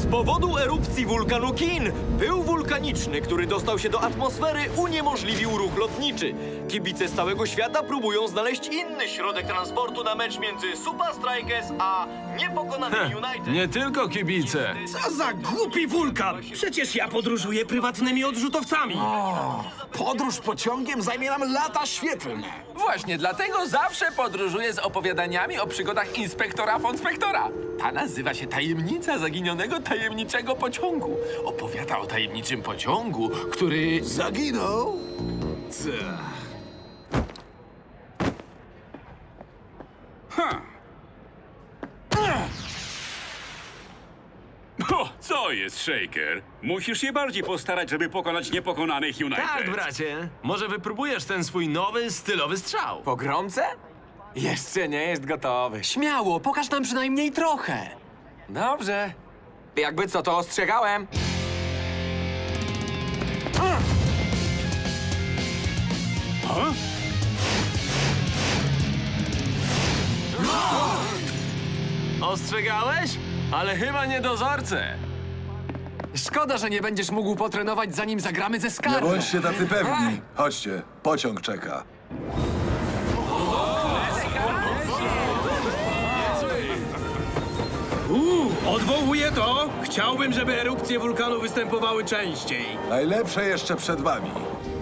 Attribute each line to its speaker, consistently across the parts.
Speaker 1: powodu erupcji wulkanu Kin pył wulkaniczny, który dostał się do atmosfery, uniemożliwił ruch lotniczy. Kibice z całego świata próbują znaleźć inny środek transportu na mecz między Supa Strikers a niepokonanym United.
Speaker 2: Nie tylko kibice.
Speaker 3: Co za głupi wulkan! Przecież ja podróżuję prywatnymi odrzutowcami.
Speaker 4: Podróż pociągiem zajmie nam lata świetlne.
Speaker 5: Właśnie dlatego zawsze podróżuję z opowiadaniami o przygodach inspektora Fonspektora. Ta nazywa się Tajemnica Zaginionego Tajemniczego Pociągu. Opowiada o tajemniczym pociągu, który...
Speaker 4: Zaginął?
Speaker 6: O, co jest, Shaker? Musisz się bardziej postarać, żeby pokonać niepokonanych United.
Speaker 2: Tak, bracie. Może wypróbujesz ten swój nowy, stylowy strzał.
Speaker 5: Pogromcę? Jeszcze nie jest gotowy. Śmiało, pokaż nam przynajmniej trochę. Dobrze. Jakby co, to ostrzegałem.
Speaker 2: Ostrzegałeś? Ale chyba nie dozorcę.
Speaker 5: Szkoda, że nie będziesz mógł potrenować, zanim zagramy ze
Speaker 7: Nie
Speaker 5: Skarbem.
Speaker 7: bądźcie tacy pewni. Chodźcie, pociąg czeka.
Speaker 3: Odwołuję to. Chciałbym, żeby erupcje wulkanu występowały częściej.
Speaker 7: Najlepsze jeszcze przed wami.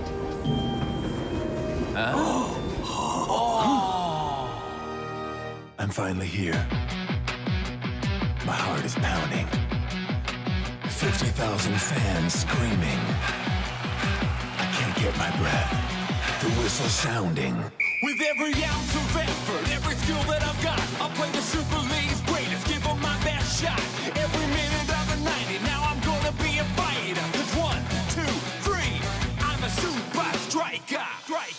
Speaker 8: I'm finally here. My heart is pounding. 50,000 fans screaming. I can't get my breath. The whistle sounding.
Speaker 9: With every ounce of effort, every skill that I've got, I'll play the Super League's greatest, give them my best shot. Every minute of the 90, now I'm gonna be a fighter. 'Cause 1, 2, 3, I'm a super striker.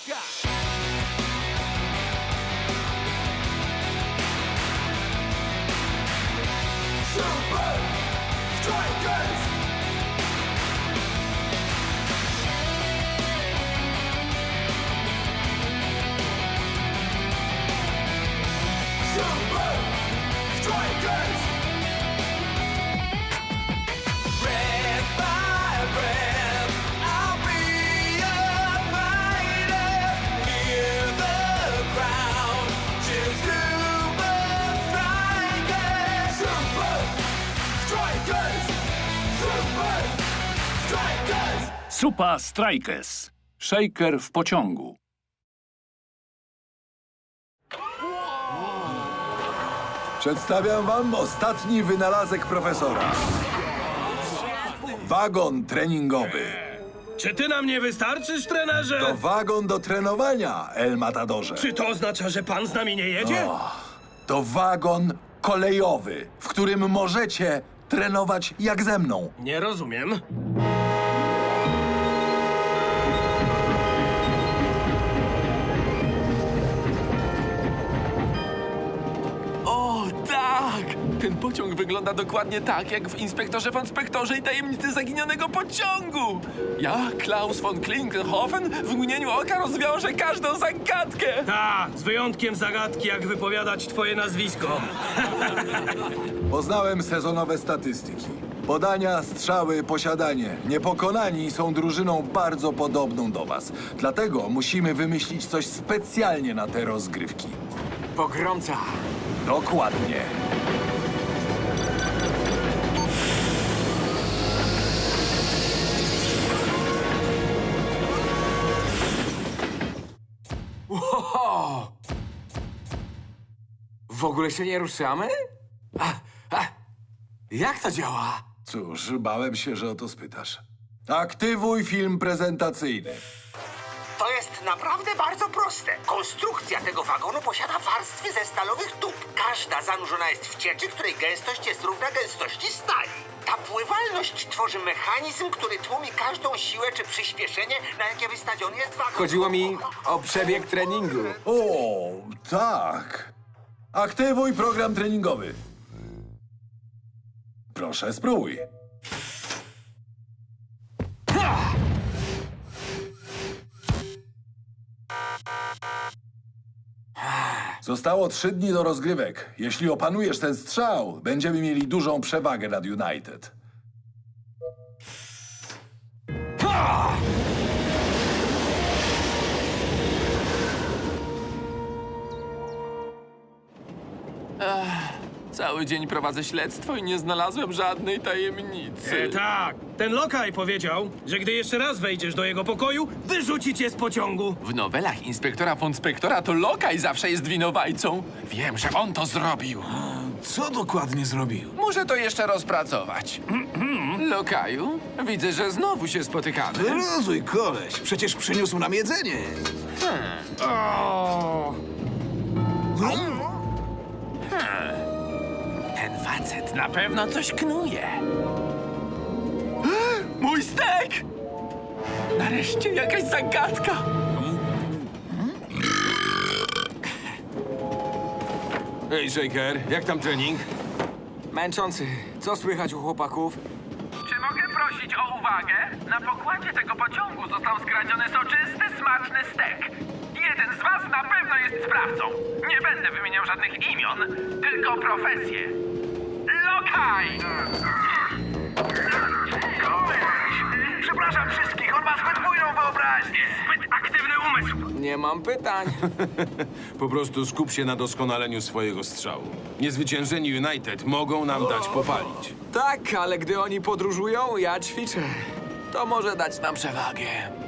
Speaker 9: Super Strikers! Super Strikers! Red by red, I'll be a fighter. Hear the crowd cheer Super Strikers! Super Strikers! Super Strikers!
Speaker 6: Supa Strikers. Shaker w pociągu.
Speaker 7: Przedstawiam wam ostatni wynalazek profesora. Wagon treningowy.
Speaker 3: Czy ty nam nie wystarczysz, trenerze?
Speaker 7: To wagon do trenowania, El Matadorze.
Speaker 3: Czy to oznacza, że pan z nami nie jedzie?
Speaker 7: To wagon kolejowy, w którym możecie trenować jak ze mną.
Speaker 3: Nie rozumiem.
Speaker 5: O, tak! Ten pociąg wygląda dokładnie tak, jak w Inspektorze Fonspektorze i Tajemnicy Zaginionego Pociągu. Ja, Klaus von Klinkenhofen, w mgnieniu oka rozwiążę każdą zagadkę.
Speaker 3: Z wyjątkiem zagadki, jak wypowiadać twoje nazwisko.
Speaker 7: Poznałem sezonowe statystyki. Podania, strzały, posiadanie. Niepokonani są drużyną bardzo podobną do was. Dlatego musimy wymyślić coś specjalnie na te rozgrywki.
Speaker 5: Pogromca.
Speaker 7: Dokładnie.
Speaker 5: Oho! W ogóle się nie ruszamy? Jak to działa?
Speaker 7: Cóż, bałem się, że o to spytasz. Aktywuj film prezentacyjny.
Speaker 10: To jest naprawdę bardzo proste. Konstrukcja tego wagonu posiada warstwy ze stalowych tub. Każda zanurzona jest w cieczy, której gęstość jest równa gęstości stali. Ta pływalność tworzy mechanizm, który tłumi każdą siłę czy przyspieszenie, na jakie wystawiony jest wagon.
Speaker 5: Chodziło mi o przebieg treningu.
Speaker 7: O, tak. Aktywuj program treningowy. Proszę, spróbuj. Zostało 3 dni do rozgrywek. Jeśli opanujesz ten strzał, będziemy mieli dużą przewagę nad United.
Speaker 5: Cały dzień prowadzę śledztwo i nie znalazłem żadnej tajemnicy.
Speaker 3: Tak, ten lokaj powiedział, że gdy jeszcze raz wejdziesz do jego pokoju, wyrzuci cię z pociągu.
Speaker 5: W nowelach inspektora von Spektora to Lokaj zawsze jest winowajcą. Wiem, że on to zrobił.
Speaker 4: Co dokładnie zrobił?
Speaker 5: Muszę to jeszcze rozpracować. Lokaju, widzę, że znowu się spotykamy.
Speaker 4: Wyluzuj, koleś. Przecież przyniósł nam jedzenie.
Speaker 5: Ten facet na pewno coś knuje. Mój stek! Nareszcie jakaś zagadka.
Speaker 3: Ej, Shaker, jak tam trening?
Speaker 11: Męczący. Co słychać u chłopaków?
Speaker 12: Czy mogę prosić o uwagę? Na pokładzie tego pociągu został skradziony soczysty, smaczny stek. Jeden z was na pewno jest sprawcą. Nie będę wymieniał żadnych imion, tylko profesję. Lokaj! Przepraszam wszystkich, on ma zbyt bujną wyobraźnię. Zbyt aktywny umysł.
Speaker 11: Nie mam pytań.
Speaker 13: Po prostu skup się na doskonaleniu swojego strzału. Niezwyciężeni United mogą nam dać popalić.
Speaker 11: Tak, ale gdy oni podróżują, ja ćwiczę. To może dać nam przewagę.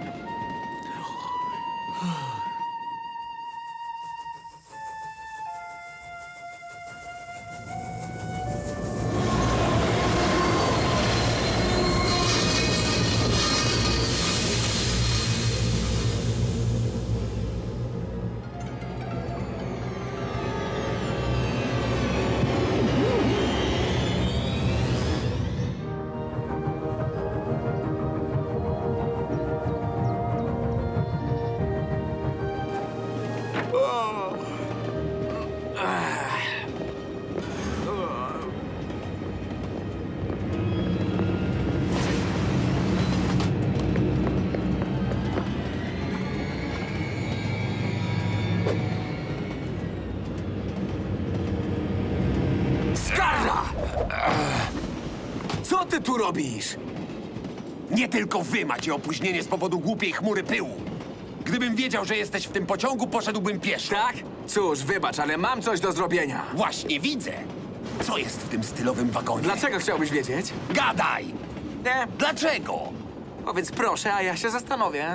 Speaker 10: Co ty tu robisz? Nie tylko wy macie opóźnienie z powodu głupiej chmury pyłu. Gdybym wiedział, że jesteś w tym pociągu, poszedłbym pieszo.
Speaker 11: Tak? Cóż, wybacz, ale mam coś do zrobienia.
Speaker 10: Właśnie widzę. Co jest w tym stylowym wagonie?
Speaker 11: Dlaczego chciałbyś wiedzieć?
Speaker 10: Gadaj!
Speaker 11: Nie.
Speaker 10: Dlaczego?
Speaker 11: Powiedz proszę, a ja się zastanowię.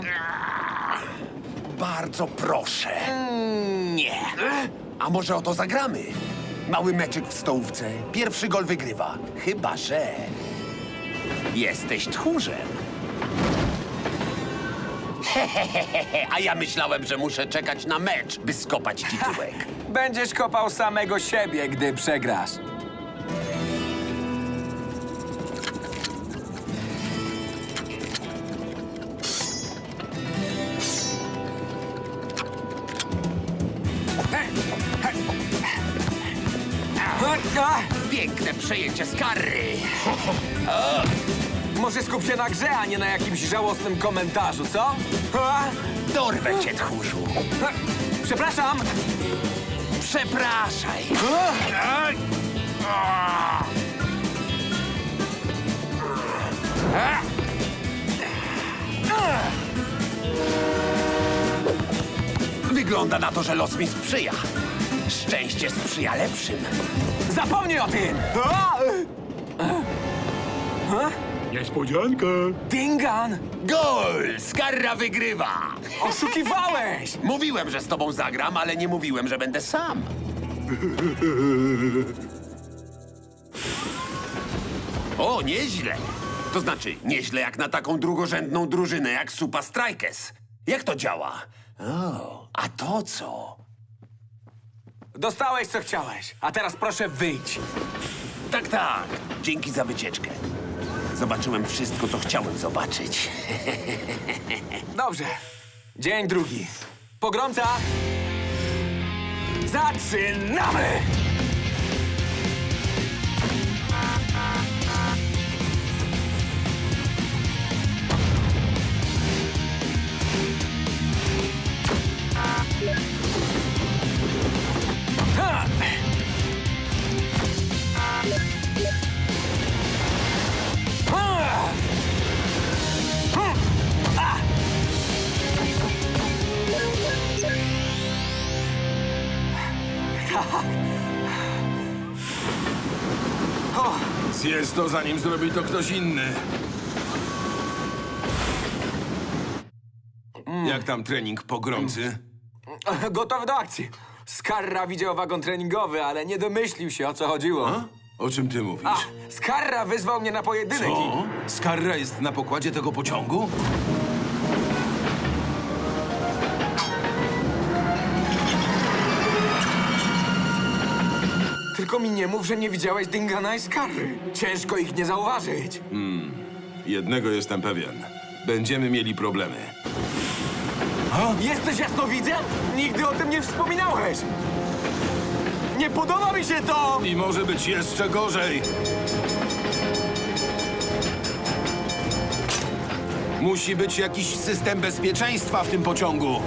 Speaker 10: Bardzo proszę.
Speaker 11: Nie.
Speaker 10: A może o to zagramy? Mały meczyk w stołówce. Pierwszy gol wygrywa. Chyba że... jesteś tchórzem. Hehehehe, a ja myślałem, że muszę czekać na mecz, by skopać ci tyłek.
Speaker 11: Będziesz kopał samego siebie, gdy przegrasz.
Speaker 10: Piękne przejęcie z karry.
Speaker 11: Może skup się na grze, a nie na jakimś żałosnym komentarzu, co?
Speaker 10: Dorwę cię, tchórzu.
Speaker 11: Przepraszam!
Speaker 10: Przepraszaj. Wygląda na to, że los mi sprzyja. Szczęście sprzyja lepszym.
Speaker 11: Zapomnij o tym!
Speaker 3: Niespodzianka.
Speaker 11: Dingan!
Speaker 10: Gol! Skarra wygrywa!
Speaker 11: Oszukiwałeś!
Speaker 10: Mówiłem, że z tobą zagram, ale nie mówiłem, że będę sam. O, nieźle. To znaczy, nieźle jak na taką drugorzędną drużynę jak Supa Strikers. Jak to działa? O, a to co?
Speaker 11: Dostałeś, co chciałeś, a teraz proszę wyjdź.
Speaker 10: Tak, tak. Dzięki za wycieczkę. Zobaczyłem wszystko, co chciałem zobaczyć.
Speaker 11: Dobrze. Dzień drugi. Pogromca! Zaczynamy!
Speaker 13: Zjedz to, zanim zrobi to ktoś inny. Jak tam trening pogromcy?
Speaker 11: Gotowy do akcji. Skarra widział wagon treningowy, ale nie domyślił się, o co chodziło.
Speaker 13: A? O czym ty mówisz?
Speaker 11: Skarra wyzwał mnie na pojedynek
Speaker 13: Co? Skarra jest na pokładzie tego pociągu?
Speaker 11: Tylko mi nie mów, że nie widziałeś Dingana i Skarry. Ciężko ich nie zauważyć.
Speaker 13: Jednego jestem pewien. Będziemy mieli problemy.
Speaker 11: Jesteś jasnowidzem? Nigdy o tym nie wspominałeś. Nie podoba mi się to!
Speaker 13: I może być jeszcze gorzej. Musi być jakiś system bezpieczeństwa w tym pociągu.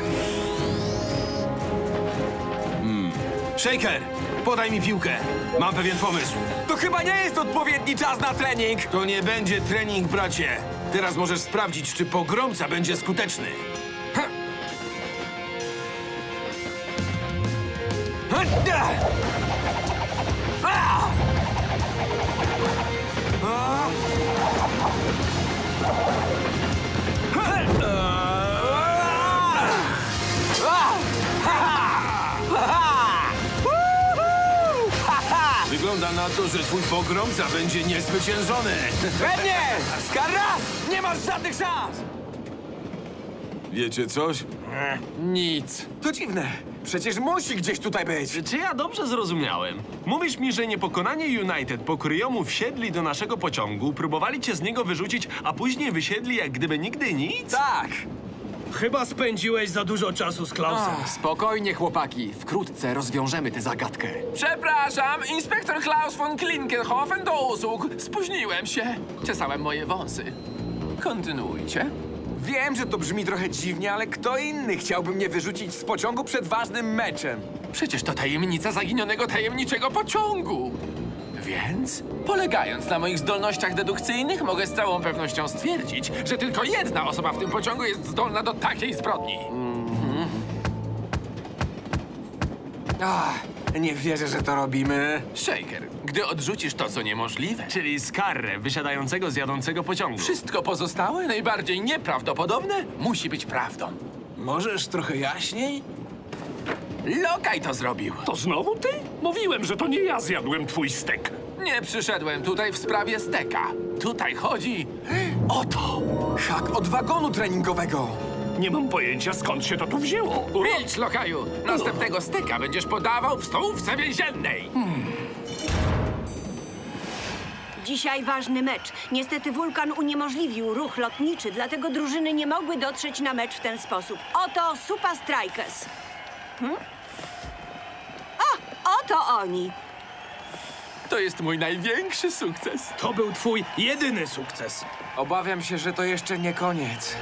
Speaker 13: Shaker, podaj mi piłkę. Mam pewien pomysł.
Speaker 11: To chyba nie jest odpowiedni czas na trening.
Speaker 13: To nie będzie trening, bracie. Teraz możesz sprawdzić, czy pogromca będzie skuteczny. Wygląda na to, że twój pogromca będzie niezwyciężony.
Speaker 11: Pewnie! Skarra, nie masz żadnych szans!
Speaker 13: Wiecie coś?
Speaker 11: Nic. To dziwne. Przecież musi gdzieś tutaj być.
Speaker 2: Czy ja dobrze zrozumiałem? Mówisz mi, że niepokonanie United po kryjomu wsiedli do naszego pociągu, próbowali cię z niego wyrzucić, a później wysiedli jak gdyby nigdy nic?
Speaker 11: Tak.
Speaker 3: Chyba spędziłeś za dużo czasu z Klausem.
Speaker 11: Spokojnie, chłopaki. Wkrótce rozwiążemy tę zagadkę.
Speaker 5: Przepraszam, inspektor Klaus von Klinkenhofen do usług. Spóźniłem się. Czesałem moje wąsy. Kontynuujcie.
Speaker 11: Wiem, że to brzmi trochę dziwnie, ale kto inny chciałby mnie wyrzucić z pociągu przed ważnym meczem?
Speaker 5: Przecież to tajemnica zaginionego tajemniczego pociągu. Więc, polegając na moich zdolnościach dedukcyjnych, mogę z całą pewnością stwierdzić, że tylko jedna osoba w tym pociągu jest zdolna do takiej zbrodni.
Speaker 11: Nie wierzę, że to robimy.
Speaker 5: Shaker, gdy odrzucisz to, co niemożliwe,
Speaker 2: Czyli Skarrę, wysiadającego z jadącego pociągu.
Speaker 5: wszystko pozostałe, najbardziej nieprawdopodobne, musi być prawdą.
Speaker 4: Możesz trochę jaśniej?
Speaker 5: Lokaj to zrobił.
Speaker 6: To znowu ty? Mówiłem, że to nie ja zjadłem twój stek.
Speaker 5: Nie przyszedłem tutaj w sprawie steka. Tutaj chodzi o to.
Speaker 11: Hak od wagonu treningowego.
Speaker 6: Nie mam pojęcia, skąd się to tu wzięło.
Speaker 5: Milcz, lokaju! Następnego steka będziesz podawał w stołówce więziennej.
Speaker 14: Dzisiaj ważny mecz. Niestety wulkan uniemożliwił ruch lotniczy, dlatego drużyny nie mogły dotrzeć na mecz w ten sposób. Oto Super Strikers. Oto oni.
Speaker 5: To jest mój największy sukces.
Speaker 3: To był twój jedyny sukces.
Speaker 11: Obawiam się, że to jeszcze nie koniec.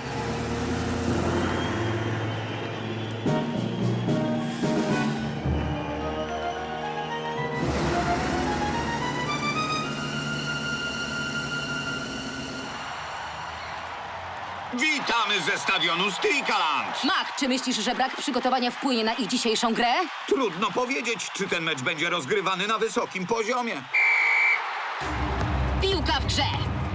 Speaker 15: Witamy ze stadionu Strikaland.
Speaker 16: Mac, czy myślisz, że brak przygotowania wpłynie na ich dzisiejszą grę?
Speaker 15: Trudno powiedzieć, czy ten mecz będzie rozgrywany na wysokim poziomie.
Speaker 16: Piłka w grze!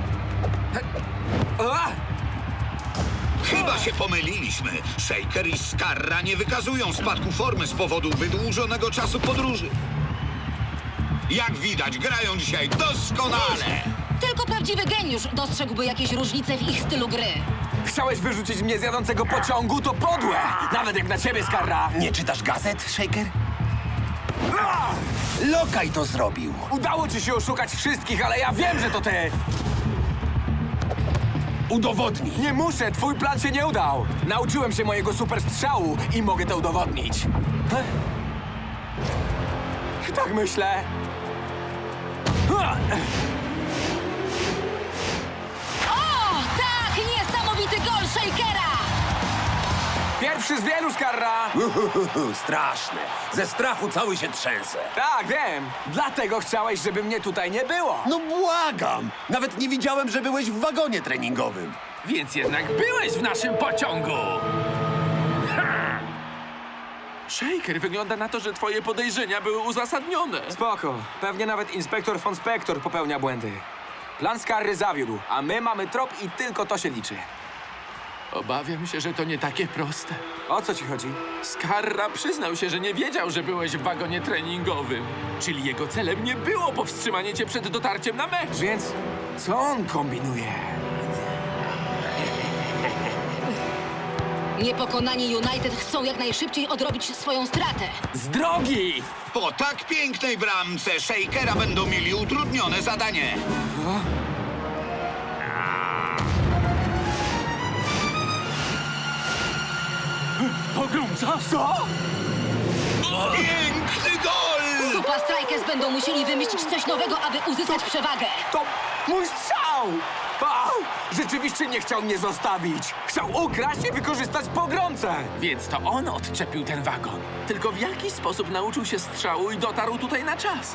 Speaker 15: Chyba się pomyliliśmy. Shaker i Skarra nie wykazują spadku formy z powodu wydłużonego czasu podróży. Jak widać, grają dzisiaj doskonale.
Speaker 16: Tylko prawdziwy geniusz dostrzegłby jakieś różnice w ich stylu gry.
Speaker 11: Chciałeś wyrzucić mnie z jadącego pociągu? To podłe! Nawet jak na ciebie, Skarra!
Speaker 4: Nie czytasz gazet, Shaker? Lokaj to zrobił.
Speaker 11: Udało ci się oszukać wszystkich, ale ja wiem, że to ty!
Speaker 4: Udowodnij.
Speaker 11: Nie muszę, twój plan się nie udał. Nauczyłem się mojego super strzału i mogę to udowodnić. Tak myślę.
Speaker 16: O, tak! Niesamowity gol Shakera!
Speaker 11: Pierwszy z wielu, Skarra!
Speaker 4: Straszne. Ze strachu cały się trzęsę.
Speaker 11: Tak, wiem. Dlatego chciałeś, żeby mnie tutaj nie było.
Speaker 4: No błagam. Nawet nie widziałem, że byłeś w wagonie treningowym.
Speaker 5: Więc jednak byłeś w naszym pociągu. Shaker, wygląda na to, że twoje podejrzenia były uzasadnione.
Speaker 11: Spoko. Pewnie nawet inspektor von Spektor popełnia błędy. Plan Skarry zawiódł, a my mamy trop i tylko to się liczy.
Speaker 5: Obawiam się, że to nie takie proste.
Speaker 11: O co ci chodzi?
Speaker 5: Skarra przyznał się, że nie wiedział, że byłeś w wagonie treningowym. Czyli jego celem nie było powstrzymanie cię przed dotarciem na mecz.
Speaker 11: Więc co on kombinuje?
Speaker 16: Niepokonani United chcą jak najszybciej odrobić swoją stratę.
Speaker 11: Z drogi!
Speaker 15: Po tak pięknej bramce Shakera będą mieli utrudnione zadanie.
Speaker 3: Pogromca? Co?
Speaker 15: Piękny gol!
Speaker 16: Super Strikers będą musieli wymyślić coś nowego, aby uzyskać przewagę.
Speaker 11: To mój strzał! Au! Rzeczywiście nie chciał mnie zostawić. Chciał ukraść i wykorzystać pogromcę.
Speaker 5: Więc to on odczepił ten wagon. Tylko w jaki sposób nauczył się strzału i dotarł tutaj na czas?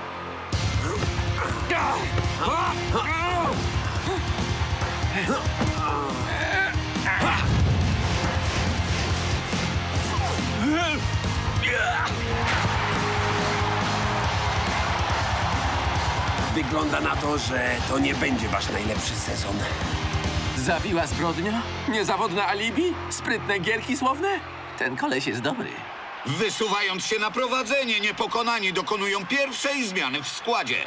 Speaker 17: Wygląda na to, że to nie będzie wasz najlepszy sezon.
Speaker 5: Zawiła zbrodnia? Niezawodne alibi? Sprytne gierki słowne? Ten koleś jest dobry.
Speaker 15: Wysuwając się na prowadzenie, niepokonani dokonują pierwszej zmiany w składzie.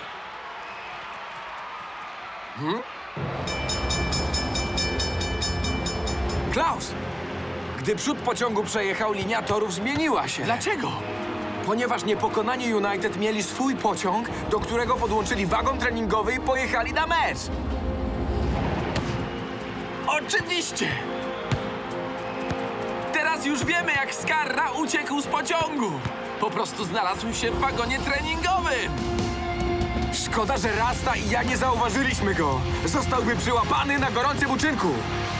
Speaker 11: Klaus! Gdy przód pociągu przejechał, linia torów zmieniła się.
Speaker 5: Dlaczego?
Speaker 11: Ponieważ niepokonani United mieli swój pociąg, do którego podłączyli wagon treningowy i pojechali na mecz.
Speaker 5: Oczywiście! Teraz już wiemy, jak Skarra uciekł z pociągu. Po prostu znalazł się w wagonie treningowym.
Speaker 11: Szkoda, że Rasta i ja nie zauważyliśmy go. Zostałby przyłapany na gorącym uczynku.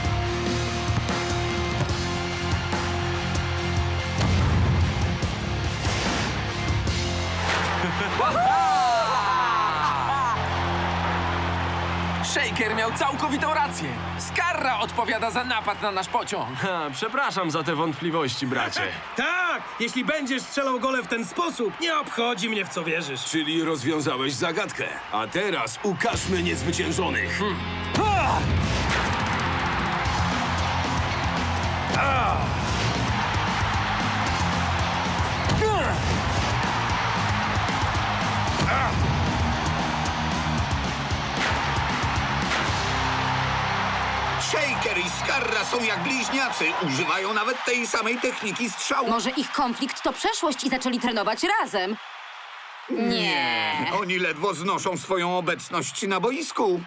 Speaker 5: Shaker miał całkowitą rację. Skarra odpowiada za napad na nasz pociąg.
Speaker 2: Przepraszam za te wątpliwości, bracie.
Speaker 3: Tak! Jeśli będziesz strzelał gole w ten sposób, nie obchodzi mnie, w co wierzysz.
Speaker 13: Czyli rozwiązałeś zagadkę. A teraz ukażmy niezwyciężonych.
Speaker 15: Shaker i Skarra są jak bliźniacy. Używają nawet tej samej techniki strzału.
Speaker 16: Może ich konflikt to przeszłość i zaczęli trenować razem? Nie.
Speaker 15: Oni ledwo znoszą swoją obecność na boisku.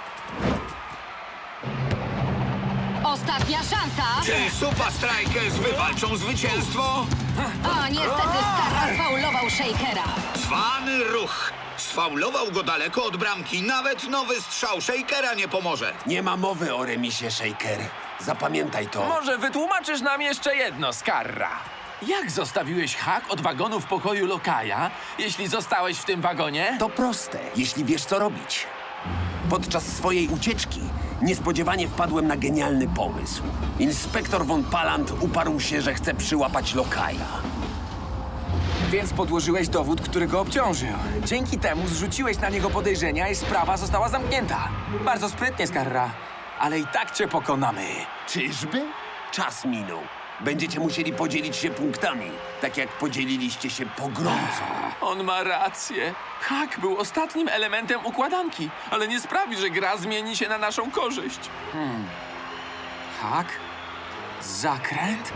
Speaker 16: Ostatnia szansa.
Speaker 15: Czy Super Strikers wywalczą zwycięstwo?
Speaker 16: A niestety Skarra sfaulował Shakera.
Speaker 15: Cwany ruch. Sfaulował go daleko od bramki. Nawet nowy strzał Shakera nie pomoże.
Speaker 17: Nie ma mowy o remisie, Shaker. Zapamiętaj to.
Speaker 5: Może wytłumaczysz nam jeszcze jedno, Skarra. Jak zostawiłeś hak od wagonu w pokoju Lokaja, jeśli zostałeś w tym wagonie?
Speaker 17: To proste, jeśli wiesz, co robić. Podczas swojej ucieczki niespodziewanie wpadłem na genialny pomysł. Inspektor von Palant uparł się, że chce przyłapać Lokaja.
Speaker 11: Więc podłożyłeś dowód, który go obciążył. Dzięki temu zrzuciłeś na niego podejrzenia i sprawa została zamknięta. Bardzo sprytnie, Skarra. Ale i tak cię pokonamy.
Speaker 17: Czyżby? Czas minął. Będziecie musieli podzielić się punktami, tak jak podzieliliście się pogromcą.
Speaker 5: On ma rację. Hak był ostatnim elementem układanki, ale nie sprawi, że gra zmieni się na naszą korzyść.
Speaker 11: Hak? Zakręt?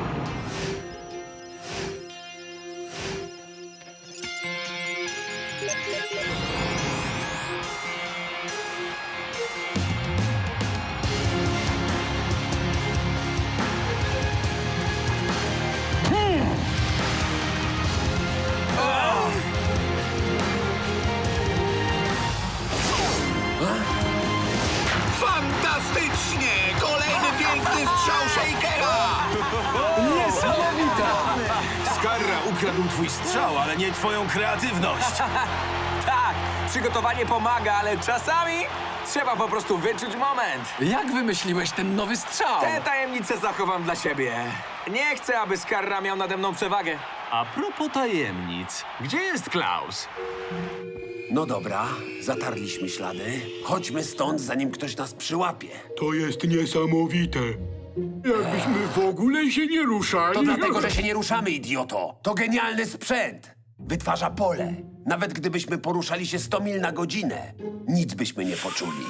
Speaker 15: Fantastycznie! Kolejny piękny strzał Shakera!
Speaker 11: Niesamowita!
Speaker 13: Skarra ukrył ukradł twój strzał, ale nie twoją kreatywność.
Speaker 11: Tak, przygotowanie pomaga, ale czasami trzeba po prostu wyczuć moment.
Speaker 5: Jak wymyśliłeś ten nowy strzał?
Speaker 11: Te tajemnice zachowam dla siebie. Nie chcę, aby Skarra miał nade mną przewagę.
Speaker 2: A propos tajemnic, gdzie jest Klaus?
Speaker 17: No dobra, zatarliśmy ślady. Chodźmy stąd, zanim ktoś nas przyłapie.
Speaker 18: To jest niesamowite. Jakbyśmy w ogóle się nie ruszali.
Speaker 17: To dlatego, że się nie ruszamy, idioto. To genialny sprzęt. Wytwarza pole. Nawet gdybyśmy poruszali się 100 mil na godzinę, nic byśmy nie poczuli.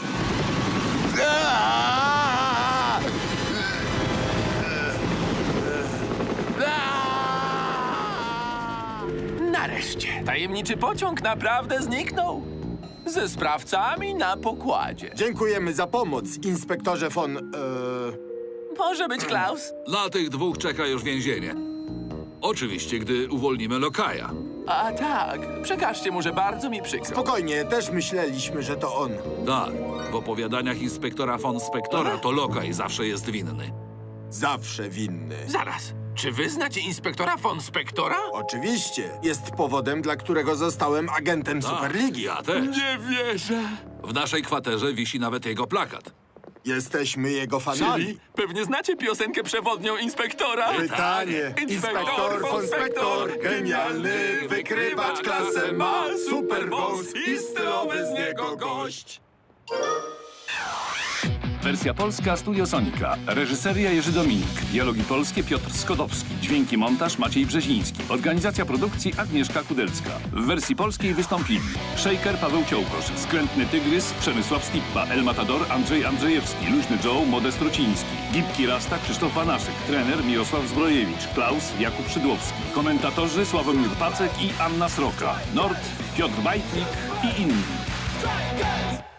Speaker 5: Nareszcie, tajemniczy pociąg naprawdę zniknął. Ze sprawcami na pokładzie.
Speaker 4: Dziękujemy za pomoc, inspektorze von...
Speaker 5: Może być Klaus?
Speaker 19: Na tych dwóch czeka już więzienie. Oczywiście, gdy uwolnimy Lokaja.
Speaker 5: A tak, przekażcie mu, że bardzo mi przykro.
Speaker 4: Spokojnie, też myśleliśmy, że to on.
Speaker 19: Tak, w opowiadaniach inspektora von Spektora to Lokaj zawsze jest winny.
Speaker 4: Zawsze winny.
Speaker 5: Zaraz, czy wy znacie inspektora von Spektora?
Speaker 4: Oczywiście. Jest powodem, dla którego zostałem agentem Superligi.
Speaker 19: Ja też.
Speaker 5: Nie wierzę.
Speaker 19: W naszej kwaterze wisi nawet jego plakat.
Speaker 4: Jesteśmy jego fanami.
Speaker 5: Czyli pewnie znacie piosenkę przewodnią inspektora?
Speaker 4: Pytanie. Inspektor von Spektor, genialny wykrywacz, klasę ma, super wąs i stylowy z niego gość.
Speaker 20: Wersja polska Studio Sonika. Reżyseria Jerzy Dominik. Dialogi polskie Piotr Skodowski. Dźwięki montaż Maciej Brzeziński. Organizacja produkcji Agnieszka Kudelska. W wersji polskiej wystąpili Shaker Paweł Ciołkosz, Skrętny Tygrys Przemysław Stippa, El Matador Andrzej Andrzejewski, Luźny Joe Modest Rociński, Gipki Rasta Krzysztof Banaszek, trener Mirosław Zbrojewicz, Klaus Jakub Szydłowski, komentatorzy Sławomir Pacek i Anna Sroka, Nord Piotr Bajtnik i inni.